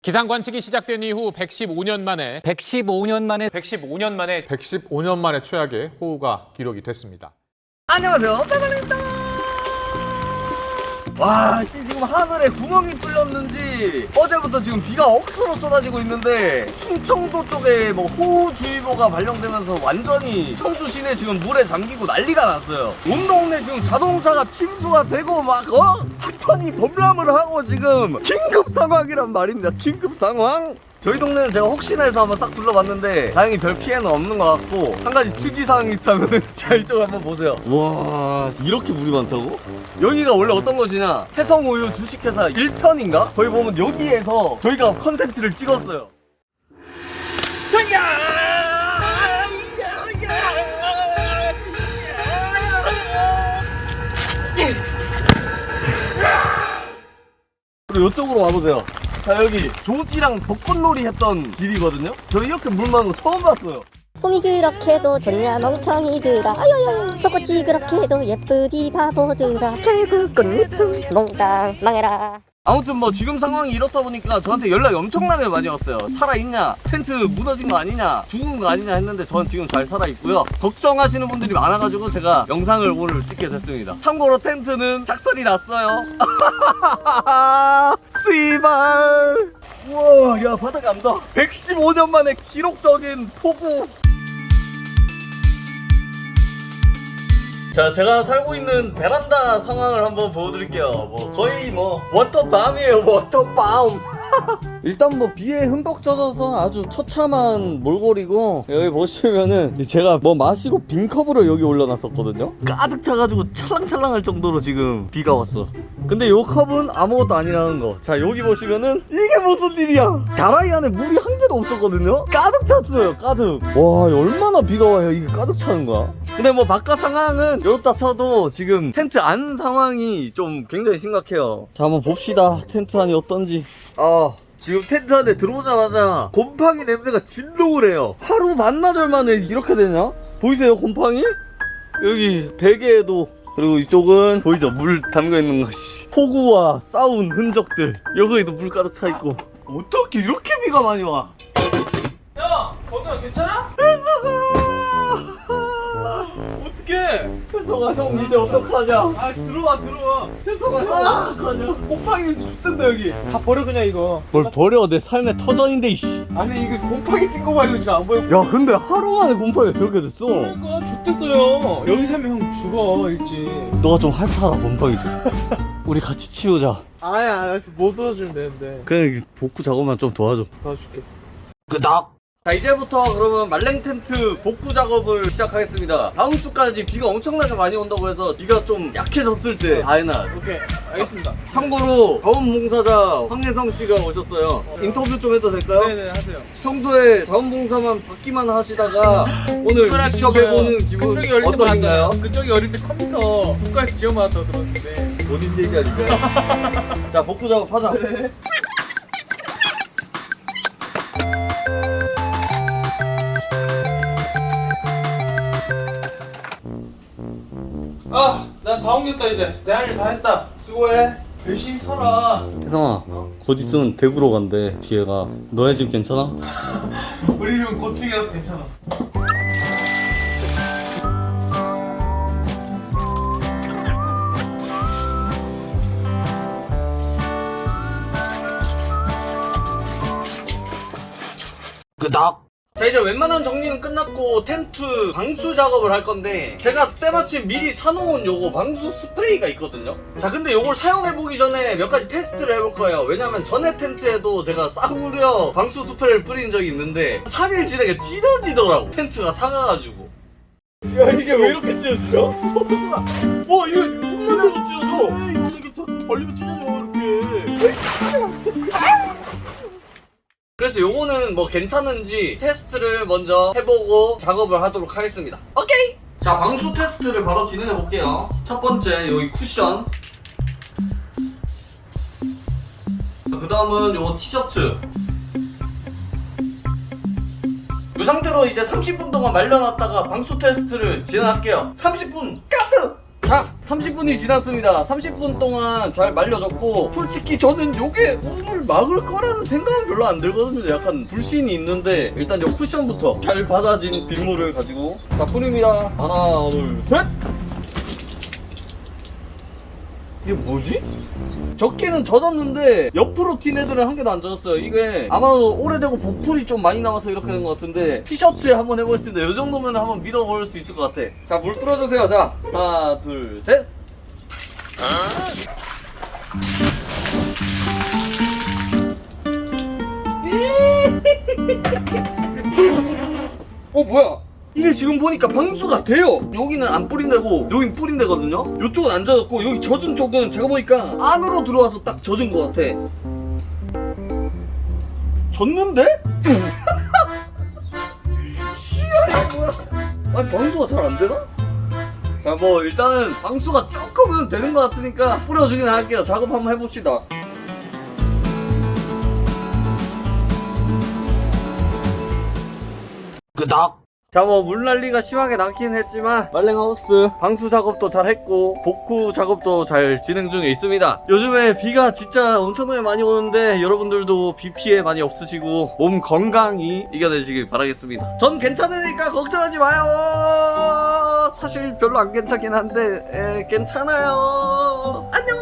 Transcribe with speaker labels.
Speaker 1: 기상 관측이 시작된 이후 115년 만에
Speaker 2: 115년 만에 최악의 호우가 기록이 됐습니다.
Speaker 3: 안녕하세요, 빠바입니다. 와, 지금 하늘에 구멍이 뚫렸는지 어제부터 지금 비가 억수로 쏟아지고 있는데 충청도 쪽에 뭐 호우주의보가 발령되면서 완전히 청주 시내 지금 물에 잠기고 난리가 났어요. 온 동네 지금 자동차가 침수가 되고 막 하천이 범람을 하고 지금 긴급 상황이란 말입니다. 긴급 상황. 저희 동네는 제가 혹시나 해서 한번 싹 둘러봤는데 다행히 별 피해는 없는 것 같고, 한 가지 특이사항이 있다면 자, 이쪽 한번 보세요. 와, 이렇게 물이 많다고? 여기가 원래 어떤 곳이냐, 해성우유 주식회사 1편인가? 거기 보면 여기에서 저희가 컨텐츠를 찍었어요. 그리고 이쪽으로 와보세요. 자, 여기 조지랑 벚꽃놀이 했던 길이거든요. 저 이렇게 물 많은 거 처음 봤어요.
Speaker 4: 꿈이 그렇게도 좋냐 멍청이들아, 아유유 벚꽃이 그렇게도 예쁘디 바보들아, 결국은 몽땅 망해라.
Speaker 3: 아무튼 뭐 지금 상황이 이렇다 보니까 저한테 연락이 엄청나게 많이 왔어요. 살아있냐, 텐트 무너진 거 아니냐, 죽은 거 아니냐 했는데 저는 지금 잘 살아있고요. 걱정하시는 분들이 많아가지고 제가 영상을 오늘 찍게 됐습니다. 참고로 텐트는 작살이 났어요. 씨발. 우와, 야, 바닥이 안 닿아. 115년 만에 기록적인 폭우. 자, 제가 살고 있는 베란다 상황을 한번 보여드릴게요. 뭐 거의 뭐 워터밤이에요, 워터밤. 일단 뭐 비에 흠뻑 젖어서 아주 처참한 몰골이고, 여기 보시면은 제가 뭐 마시고 빈컵으로 여기 올려놨었거든요. 가득 차가지고 찰랑찰랑할 정도로 지금 비가 왔어. 근데 요 컵은 아무것도 아니라는 거. 자, 여기 보시면은 이게 무슨 일이야. 다라이 안에 물이 한 개도 없었거든요. 가득 찼어요, 가득. 와, 얼마나 비가 와야 이게 가득 차는 거야. 근데 뭐 바깥 상황은 이렇다 쳐도 지금 텐트 안 상황이 좀 굉장히 심각해요. 자, 한번 봅시다, 텐트 안이 어떤지. 지금 텐트 안에 들어오자마자 곰팡이 냄새가 진동을 해요. 하루 반나절 만에 이렇게 되냐? 보이세요, 곰팡이? 여기 베개에도. 그리고 이쪽은 보이죠? 물 담겨있는 것이 폭우와 싸운 흔적들. 여기에도 물 가득 차있고. 어떻게 이렇게 비가 많이 와?
Speaker 5: 야, 건우야 괜찮아? 어떡해?
Speaker 3: 혜성아, 형 이제 어떡하냐?
Speaker 5: 아, 들어와.
Speaker 3: 혜성아, 형 어떡하냐?
Speaker 5: 곰팡이 냄새 죽던다 여기. 다 버려 그냥 이거.
Speaker 3: 뭘 버려, 내 삶의 터전인데, 이씨.
Speaker 5: 아니 이거 곰팡이 낀 거 봐, 이거 지금 안 보여.
Speaker 3: 야, 근데 하루 만에 곰팡이가 저렇게 됐어.
Speaker 5: 그러니까 좋댔어요. 여기 살면 형 죽어 일찍.
Speaker 3: 너가 좀 핥아라, 곰팡이 좀. 우리 같이 치우자.
Speaker 5: 아야, 알았어. 못 도와주면 되는데.
Speaker 3: 그냥 복구 작업만 좀 도와줘.
Speaker 5: 도와줄게.
Speaker 3: 끄덕. 자, 이제부터 그러면 말랭 텐트 복구 작업을 시작하겠습니다. 다음 주까지 비가 엄청나게 많이 온다고 해서 비가 좀 약해졌을 때 다해나.
Speaker 5: 오케이, 알겠습니다.
Speaker 3: 참고로 자원봉사자 황예성 씨가 오셨어요. 인터뷰 좀 해도 될까요?
Speaker 5: 네네, 하세요.
Speaker 3: 평소에 자원봉사만 받기만 하시다가 오늘 직접 해보는 기분
Speaker 5: 그쪽이 어릴 때
Speaker 3: 어떠신가요?
Speaker 5: 받았잖아요. 그쪽이 어릴 때 컴퓨터 국가에서 지원받았다고 들었는데.
Speaker 3: 본인 얘기 아닌가요? 자, 복구 작업 하자.
Speaker 5: 아, 난 다 옮겼다 이제. 내 할 일 다 했다. 수고해. 열심히 살아.
Speaker 3: 혜성아, 곧 있으면 대구로 간대, 기회가. 너네 집 괜찮아?
Speaker 5: 우리 집은 고층이라서 괜찮아.
Speaker 3: 끄덕. 자, 이제 웬만한 정리는 끝났고 텐트 방수 작업을 할 건데, 제가 때마침 미리 사놓은 요거 방수 스프레이가 있거든요. 자, 근데 요걸 사용해보기 전에 몇 가지 테스트를 해볼 거예요. 왜냐면 전에 텐트에도 제가 싸구려 방수 스프레이를 뿌린 적이 있는데 3일 지나게 찢어지더라고, 텐트가 사가가지고. 야, 이게 왜 이렇게 찢어지죠? 이거 지금 손만 대도 찢어져.
Speaker 5: 이게 저 벌리면 찢어져 이렇게.
Speaker 3: 그래서 요거는 뭐 괜찮은지 테스트를 먼저 해보고 작업을 하도록 하겠습니다. 오케이! 자, 방수 테스트를 바로 진행해 볼게요. 첫 번째, 여기 쿠션. 그 다음은 요 티셔츠. 이 상태로 이제 30분 동안 말려놨다가 방수 테스트를 진행할게요. 30분 까득! 자, 30분이 지났습니다. 30분 동안 잘 말려졌고, 솔직히 저는 요게 물을 막을 거라는 생각은 별로 안 들거든요. 약간 불신이 있는데, 일단 요 쿠션부터 잘 받아진 빗물을 가지고 자, 뿌립니다. 하나, 둘, 셋! 이게 뭐지? 젖기는 젖었는데 옆으로 튄 애들은 한 개도 안 젖었어요. 이게 아마도 오래되고 부풀이 좀 많이 나와서 이렇게 된 것 같은데, 티셔츠에 한번 해보겠습니다. 이 정도면 한번 믿어볼 수 있을 것 같아. 자, 물 뿌려주세요. 자, 하나, 둘, 셋. 뭐야? 이게 지금 보니까 방수가 돼요. 여기는 안 뿌린다고, 여긴 뿌린다거든요. 이쪽은 안 젖었고, 여기 젖은 쪽은 제가 보니까 안으로 들어와서 딱 젖은 것 같아. 젖는데? 희열이 뭐야? 아니, 방수가 잘 안 되나? 자, 뭐 일단은 방수가 조금은 되는 것 같으니까 뿌려주긴 할게요. 작업 한번 해봅시다. 끄덕. 자, 뭐 물난리가 심하게 나긴 했지만 말랭하우스 방수 작업도 잘 했고 복구 작업도 잘 진행 중에 있습니다. 요즘에 비가 진짜 엄청나게 많이 오는데 여러분들도 비 피해 많이 없으시고 몸 건강히 이겨내시길 바라겠습니다. 전 괜찮으니까 걱정하지 마요. 사실 별로 안 괜찮긴 한데 괜찮아요. 안녕.